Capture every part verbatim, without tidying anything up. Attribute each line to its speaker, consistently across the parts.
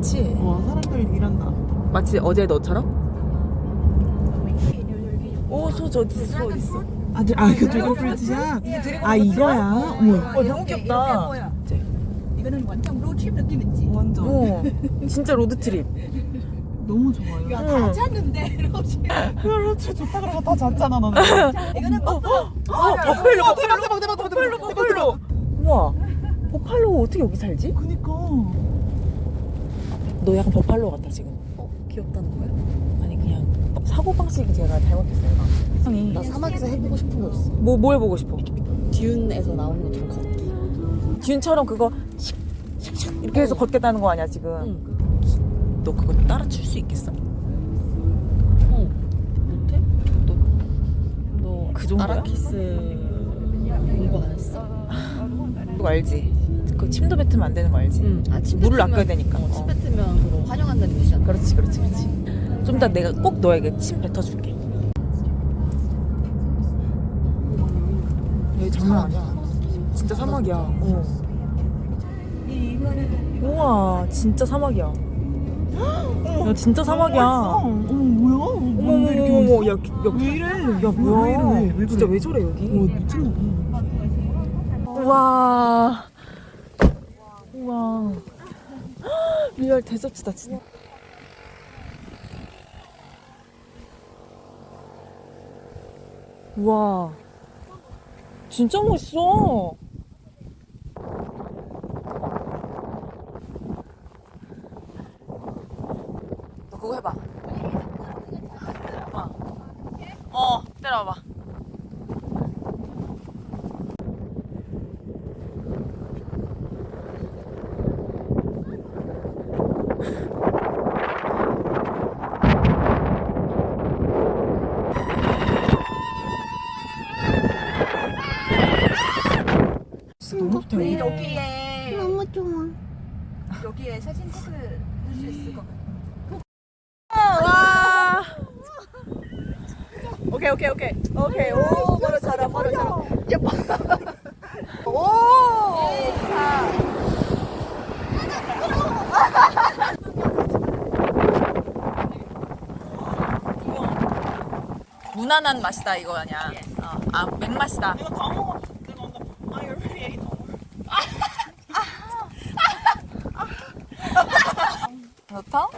Speaker 1: 많지?
Speaker 2: 와, 사람들 일한다.
Speaker 1: 마치 어제 너처럼? 오, 소 저 어디 있어? 어디 있어?
Speaker 2: 아, 드- 아 이거 드래곤 프루트야? 아, 이거야? 어머.
Speaker 1: 어, 너무 귀엽다. 이제.
Speaker 3: 이거는 완전 로드트립 느낌 있지?
Speaker 2: 완전.
Speaker 1: 어, 진짜 로드트립.
Speaker 2: 너무 좋아요.
Speaker 3: 야,
Speaker 1: 응.
Speaker 3: 다 잤는데 로드트립.
Speaker 2: 그렇지, 좋다 그러고 다 잤잖아, 너는.
Speaker 3: 이거는 버스.
Speaker 1: 어, 버팔로,
Speaker 2: 어, 대박, 대박, 대박,
Speaker 1: 버팔로,
Speaker 2: 대박,
Speaker 1: 버팔로. 우와, 버팔로 어떻게 여기 살지?
Speaker 2: 그니까.
Speaker 1: 너 약간 버팔로 같다 지금.
Speaker 3: 어, 귀엽다는 거야?
Speaker 1: 아니 그냥 사고 방식이 제가 잘못했어요. 형이
Speaker 3: 나 사막에서 해보고 싶은 거 있어.
Speaker 1: 뭐 뭐 해보고 싶어?
Speaker 3: 듀운에서 나오는 것처럼 걷기.
Speaker 1: 듀운처럼 그거 슉슉슉 이렇게 해서
Speaker 3: 어.
Speaker 1: 걷겠다는 거 아니야 지금?
Speaker 3: 응.
Speaker 1: 너 그거 따라 출 수 있겠어?
Speaker 3: 어. 못해? 너, 너
Speaker 1: 그 정도야?
Speaker 3: 아라키스 공부 안 했어?
Speaker 1: 그거 알지? 그 침도 뱉으면 안 되는 거 알지?
Speaker 3: 응. 아, 침
Speaker 1: 물을
Speaker 3: 뱉으면-
Speaker 1: 아껴야 되니까.
Speaker 3: 어, 침
Speaker 1: 어.
Speaker 3: 뱉으면 그거 환영한다는 뜻이잖아.
Speaker 1: 그렇지 그렇지 그렇지. 좀 이따 내가 꼭 너에게 침 뱉어줄게. 여기 장난 아니야. 진짜 사막이야. 어. 우와 진짜 사막이야. 야 진짜 사막이야.
Speaker 2: 어머, 뭐야?
Speaker 1: 어머 어머 어머 어머 야, 야,
Speaker 2: 왜 이래?
Speaker 1: 야
Speaker 2: 왜
Speaker 1: 뭐야?
Speaker 2: 이래? 왜, 왜
Speaker 1: 진짜
Speaker 2: 그래?
Speaker 1: 왜 저래 여기?
Speaker 2: 와, 미쳤나 봐.
Speaker 1: 우와 우와 리얼 대접지다 진짜. 우와 진짜 멋있어. 너 그거 해봐. 어, 어 때려봐. 너무 좋다.
Speaker 3: 우리
Speaker 1: 여기.
Speaker 3: 여기에
Speaker 4: 너무 좋아.
Speaker 3: 여기에 사진 체크할 수 있을 것 같아.
Speaker 1: 와. 오케이 오케이 오케이 오케이 오 머리 잘해 머리 잘해 예뻐. 오. 무난한 맛이다 이거 아니야. 어, 아 맥맛이다.
Speaker 2: 내가 다 먹었어. 내가 아까 I already ate all.
Speaker 1: 좋다?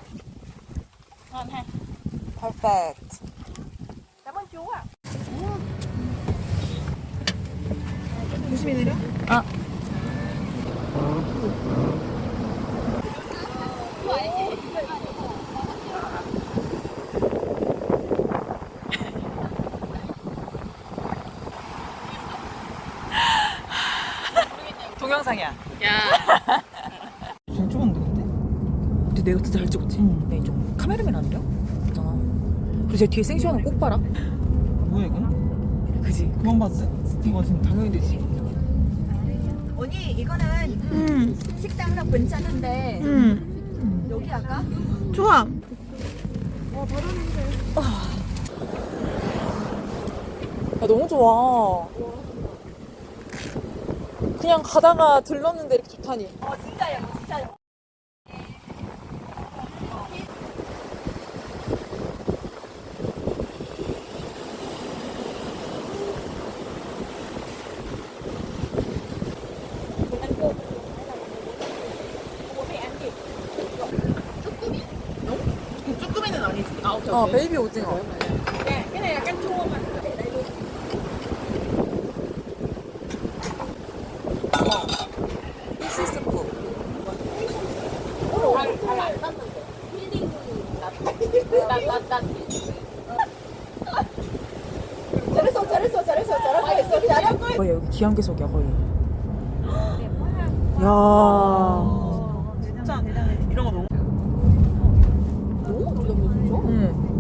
Speaker 1: Perfect.
Speaker 2: 조심히 내려.
Speaker 1: 아. 동영상이야.
Speaker 3: 야.
Speaker 2: 잘 찍었는데, 근데?
Speaker 1: 근데 내가 진짜 잘 찍었지?
Speaker 2: 응.
Speaker 1: 내 좀 카메라맨 아니야? 있잖아. 그리고 제 뒤에 생시하는 꼭 봐라.
Speaker 2: 뭐야, 이건?
Speaker 1: 그지?
Speaker 2: 그만 봤어? 이거 진짜.
Speaker 1: 당연히 되지.
Speaker 3: 언니 이거는
Speaker 1: 응.
Speaker 3: 식당이랑 괜찮은데
Speaker 1: 응.
Speaker 3: 여기 할까?
Speaker 1: 좋아. 야, 너무 좋아. 그냥 가다가 들렀는데 이렇게 좋다니.
Speaker 3: 어 진짜야 진짜야.
Speaker 2: 쭈꾸미는 아니지. 아, 오케이,
Speaker 1: 어,
Speaker 2: 오케이.
Speaker 1: 베이비 오징어.
Speaker 3: 그냥 약간 조금만.
Speaker 1: 피시 스프.
Speaker 3: 잘했어 잘했어 잘했어 잘하고 있어 잘하고 있어.
Speaker 1: 거의 여기 기안개석이야 거의. 야.
Speaker 2: 진짜 이런 거 너무.
Speaker 3: 오? 진짜?
Speaker 1: 응.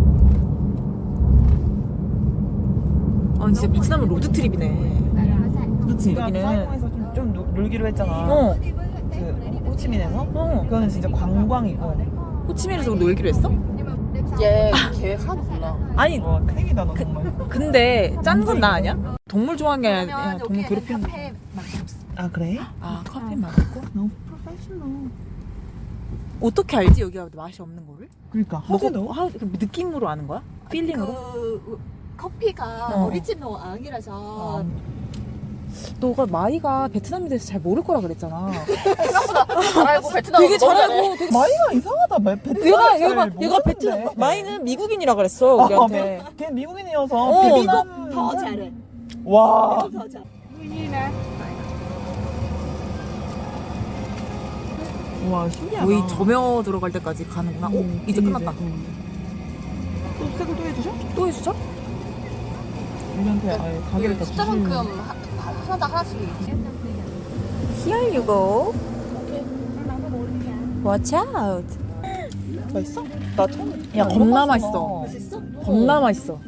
Speaker 1: 아 진짜 베트남은 로드 트립이네.
Speaker 2: 그치.
Speaker 1: 여기는-
Speaker 2: 사이공에서 좀, 좀 놀- 놀기로 했잖아.
Speaker 1: 어.
Speaker 2: 그 호치민에서.
Speaker 1: 어.
Speaker 2: 그거는 진짜 관광이고.
Speaker 1: 호치민에서 우리 놀기로 했어?
Speaker 3: 얘 계획 하나.
Speaker 1: 아니
Speaker 2: 와, 큰일이다, 너 정말.
Speaker 1: 근데 짠 건 나 아니야? 동물 좋아하는 게 아니라 그냥 동물
Speaker 3: 여기에는
Speaker 1: 괴롭히는 거.
Speaker 3: 카페 많이 없어.
Speaker 2: 아, 그래?
Speaker 1: 아 커피 맛있고?
Speaker 2: 너무 프로페셔널.
Speaker 1: 어떻게 알지 여기가 맛이 없는 거를?
Speaker 2: 그러니까
Speaker 1: 먹어
Speaker 2: 하지도
Speaker 1: 하, 그 느낌으로 아는 거야? 필링으로?
Speaker 3: 그 커피가
Speaker 1: 어.
Speaker 3: 우리 집 농 아니라서
Speaker 1: 너가 마이가 베트남에 대해서 잘 모를 거라 그랬잖아.
Speaker 3: 잘 알고 베트남
Speaker 1: 되게 잘 알고 되게
Speaker 2: 마이가 이상하다. 마- 베트남
Speaker 1: 얘가
Speaker 2: 잘
Speaker 1: 얘가
Speaker 2: 모르는데.
Speaker 1: 얘가 베트남 마이는 미국인이라 그랬어 우리한테.
Speaker 2: 아, 걔 미국인이어서
Speaker 1: 어,
Speaker 2: 베트남
Speaker 3: 더 잘해.
Speaker 2: 와
Speaker 3: 더 잘해.
Speaker 2: 와 신기하다.
Speaker 1: 거의 점여 들어갈 때까지 가는구나. 오
Speaker 2: 음,
Speaker 1: 이제 끝났다.
Speaker 2: 또 색을 또 해주셔?
Speaker 1: 또 해주죠?
Speaker 2: 우리한테 아예 가게를 다
Speaker 3: 숫자만큼
Speaker 2: 주시는.
Speaker 3: 하- 하- 하나당 하나씩.
Speaker 1: Here you go. Watch out.
Speaker 2: 맛있어? 나 처음.
Speaker 1: 야 겁나 맛있어.
Speaker 3: 맛있어?
Speaker 1: 겁나 맛있어.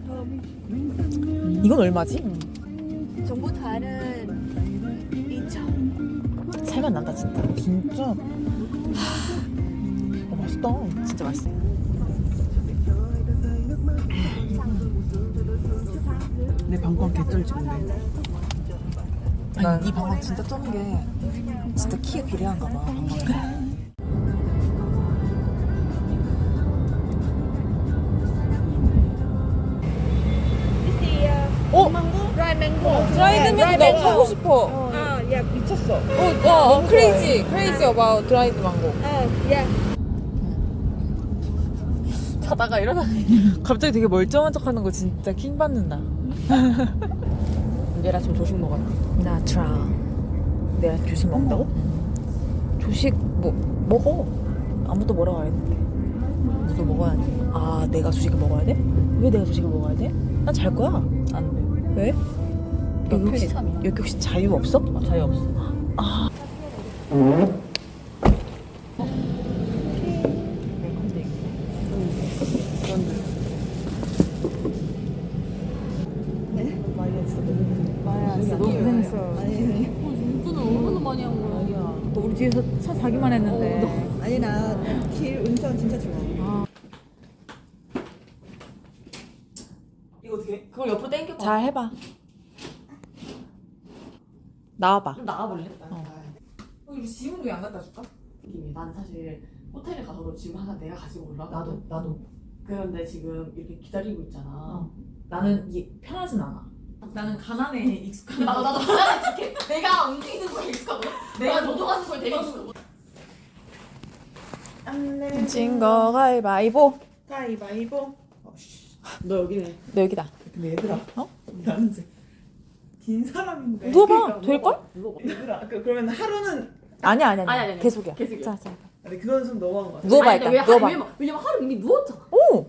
Speaker 1: 이건 얼마지?
Speaker 3: 정보 다른 이천.
Speaker 1: 살만 난다 진짜.
Speaker 2: 진짜. 어, 맛있다.
Speaker 1: 진짜 맛있어.
Speaker 2: 내 방광 개쩔지근데.
Speaker 1: 아니 네 방광 진짜 쩌는 게 진짜 키에 비례한가 봐. 방광이. 어?
Speaker 3: 드라이 맹고.
Speaker 1: 드라이드 망고 너무 사고 싶어.
Speaker 3: 아, 야 미쳤어.
Speaker 1: 어, 어, 어 crazy, crazy about dried mango.
Speaker 3: 아, 야.
Speaker 1: 자다가 일어나. 갑자기 되게 멀쩡한 척하는 거 진짜 킹 받는다.
Speaker 2: 얘라 지금 조식 먹었나?
Speaker 1: 나 트라. 내가 조식 먹는다고? 조식 뭐 먹어. 아무도 뭐라고 안 했는데. 너도 먹어야지. 아, 내가 조식을 먹어야 돼? 왜 내가 조식을 먹어야 돼? 난 잘 거야.
Speaker 2: 안 돼.
Speaker 1: 왜? 여기 혹시, 여기 혹시 자유 없어?
Speaker 2: 아, 자유 없어.
Speaker 1: 아.
Speaker 3: 마야, 진짜
Speaker 1: 너무 고생했어.
Speaker 3: 아니, 운전을 얼마나 많이 한 거야?
Speaker 1: 너 우리 뒤에서 차 자기만 했는데.
Speaker 3: 아니 나길 운전 진짜 좋아.
Speaker 2: 이거 어떻게?
Speaker 3: 그걸 옆으로 당겨.
Speaker 1: 잘 해봐. 나와봐.
Speaker 3: 좀 나가볼래?
Speaker 1: 어. 우리 지훈도 안 갖다 줄까?
Speaker 4: 난 사실 호텔에 가서도 지금 항상 내가 가지고 올라가.
Speaker 2: 나도 나도.
Speaker 4: 그런데 지금 이렇게 기다리고 있잖아.
Speaker 1: 어.
Speaker 4: 나는 이게 편하진 않아. 나는 가난에 익숙한.
Speaker 3: 나도 나도 가난해 죽게. 내가 움직이는 거에 익숙하고 내가 노동하는 거에 되게 익숙하고.
Speaker 1: 진거 가위바위보.
Speaker 2: 가위바위보. 너 여기네.
Speaker 1: 너 여기다.
Speaker 2: 근데 얘들아.
Speaker 1: 어?
Speaker 2: 나는 이제 긴 사람인데.
Speaker 1: 누워봐. 될걸?
Speaker 2: 얘들아. 그, 그러면 하루는.
Speaker 1: 아니야 아니야
Speaker 3: 아니, 아니, 아니.
Speaker 1: 계속이야.
Speaker 3: 계속이야.
Speaker 1: 자, 자.
Speaker 2: 근데 그건 좀 너무한 거 같아.
Speaker 1: 누워봐
Speaker 3: 아니, 근데
Speaker 1: 일단.
Speaker 3: 왜
Speaker 1: 누워봐.
Speaker 3: 하루, 왜냐면, 왜냐면 하루 이미 누웠잖아.
Speaker 1: 오.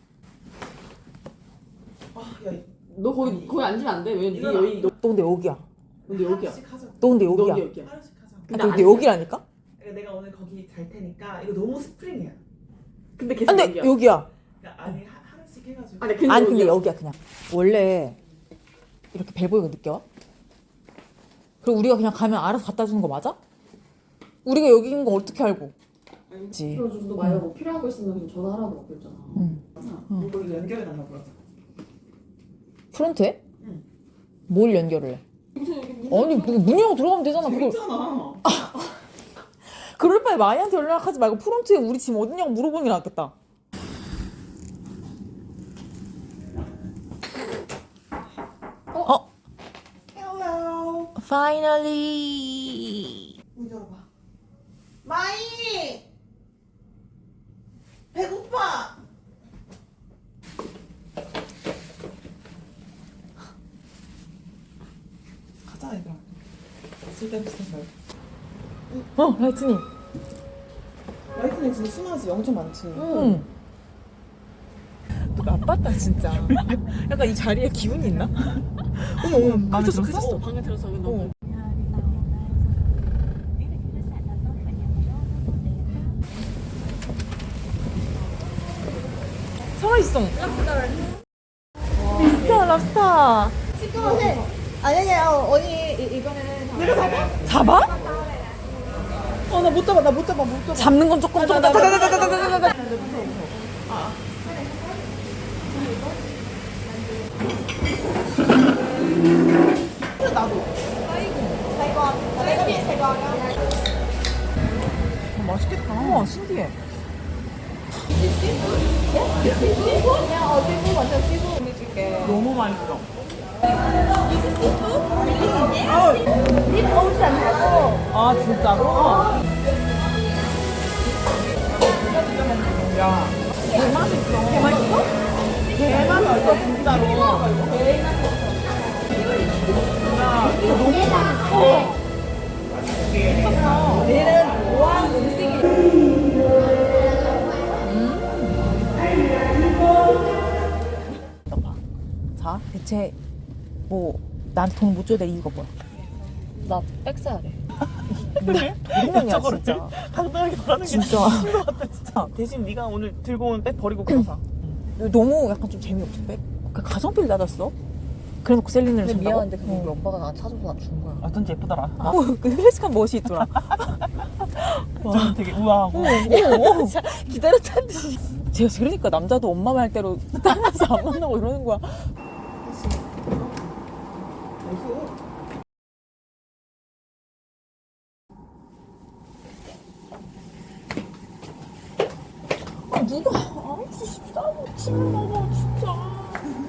Speaker 2: 아, 야,
Speaker 4: 너 거기 거기 앉으면 안 돼. 왜냐면 네
Speaker 2: 이건
Speaker 4: 여기 너
Speaker 1: 너 근데 여기야.
Speaker 4: 근데 여기야.
Speaker 2: 하루씩 하자.
Speaker 1: 너 근데
Speaker 4: 너
Speaker 1: 여기야.
Speaker 4: 근데 여기야.
Speaker 2: 하루씩 하자.
Speaker 1: 아,
Speaker 4: 근데
Speaker 1: 너 근데
Speaker 4: 안
Speaker 1: 여기라니까?
Speaker 2: 그러니까 내가 오늘 거기 잘 테니까 이거 너무 스프링이야.
Speaker 4: 근데 계속
Speaker 1: 근데
Speaker 4: 여기야.
Speaker 1: 여기야.
Speaker 2: 그러니까 아니 하, 하루씩 해가지고.
Speaker 4: 아니 근데
Speaker 1: 아니 근데
Speaker 4: 여기야.
Speaker 1: 여기야 그냥. 원래 이렇게 배 보이고 느껴? 그리고 우리가 그냥 가면 알아서 갖다 주는 거 맞아? 우리가 여기인 거 어떻게 알고? 그치.
Speaker 4: 그래가지고 너 만약 뭐 필요한 거 있으면 그냥 전화하라고 막 그랬잖아.
Speaker 1: 응.
Speaker 2: 응. 이거 연결해 달라고 그러자.
Speaker 1: 프론트에?
Speaker 2: 응.
Speaker 1: 뭘 연결을 해? 아니 문, 문 열고 들어가면 되잖아. 그걸
Speaker 2: 재밌잖아.
Speaker 1: 그럴 바에 마이한테 연락하지 말고 프론트에 우리 짐 어딨냐고 물어보는 게 낫겠다. 어?
Speaker 2: Hello.
Speaker 1: Finally.
Speaker 2: 문 열어봐. 마이. 배고파. 가자 얘들아. 쓸데없어.
Speaker 1: 어, 라이트닝.
Speaker 2: 라이트닝 진짜 심하지. 엄청 많지.
Speaker 1: 응. 너 나빴다 진짜. 약간 이 자리에 기운이 있나? 어머 어머
Speaker 2: 마음에
Speaker 1: 그쳤어
Speaker 2: 들었어?
Speaker 1: 그쳤어.
Speaker 4: 방에 들어서 여기 너무.
Speaker 1: 어. 살아있어. 랍스터 랍스터.
Speaker 3: 시끄러워. 아니 아니 어, 언니 이, 이거는
Speaker 2: 내가 잡아?
Speaker 1: 잡아?
Speaker 2: 어 나 못 잡아. 나 못 잡아. 못 잡아.
Speaker 1: 잡는 건 조금 조금. 다다다다다다다다다.
Speaker 2: 나도.
Speaker 3: Sài Gòn ở đây có điện Sài Gòn không?
Speaker 2: 맛있겠다.
Speaker 1: 우와 신기해.
Speaker 2: 너무 맛있어. 아 진짜로? 야 개맛있어. 개맛있어? 개맛있어 진짜로. 야 이거 너무 맛있어.
Speaker 1: 자 대체 뭐 나한테 돈 못 줘야 될 이유가 뭐야?
Speaker 3: 나 백 사야 돼.
Speaker 1: 그래? 도둑놈이야
Speaker 2: 저거를
Speaker 1: 진짜.
Speaker 2: 당당하게 말하는 게
Speaker 1: 진짜.
Speaker 2: 진짜 것 같아 진짜. 대신 네가 오늘 들고 온 백 버리고 그거 사.
Speaker 1: 너무 약간 좀 재미없어. 백? 그 가성비를 낮았어. 그래놓고 셀린을
Speaker 3: 근데
Speaker 1: 준다고?
Speaker 3: 미안한데 그거 우리 오빠가 나 찾아서 나 준 거야.
Speaker 2: 어쩐지 예쁘더라.
Speaker 1: 어, 그 클래식한 멋이 있더라.
Speaker 2: 좀 되게 우아하고.
Speaker 1: 오, 오, 기다렸다는 듯이. 제가 그러니까 남자도 엄마 말대로 따라서 안 만나고 이러는 거야. 아 누가 아무튼 식사하고 침을 먹어 진짜.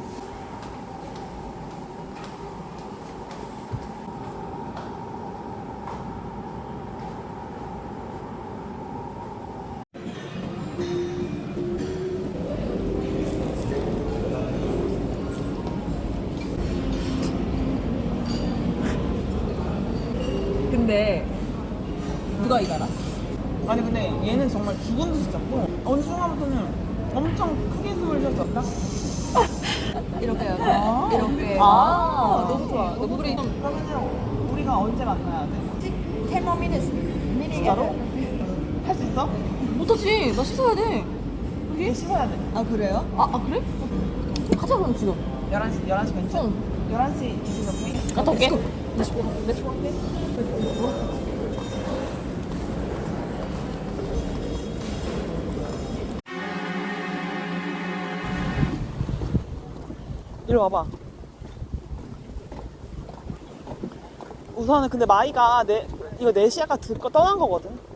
Speaker 1: 근데 누가 이거라?
Speaker 2: 아니 근데 얘는 정말 죽은 듯이 잡고 어느 순간부터는 엄청 크게 숨을 쉬었었다.
Speaker 3: 이렇게요.
Speaker 2: 아.
Speaker 3: 이렇게.
Speaker 2: 아,
Speaker 3: 너무 좋아. 우리
Speaker 2: 그러면 우리가 언제 만나야 돼?
Speaker 3: ten more minutes.
Speaker 2: 진짜로? 할 수 있어?
Speaker 1: 못하지. 나 씻어야 돼.
Speaker 2: 얘 씻어야 돼.
Speaker 3: 아 그래요?
Speaker 1: 아, 아 그래? 가자 그럼 지금.
Speaker 2: 열한 시 열한 시 괜찮아?
Speaker 1: 응.
Speaker 2: 열한 시 이십 몇 분?
Speaker 1: 갔다 올게.
Speaker 2: 이리 와봐. 우선은 근데 마이가 내 이거 네 시 아까 듣고 떠난 거거든.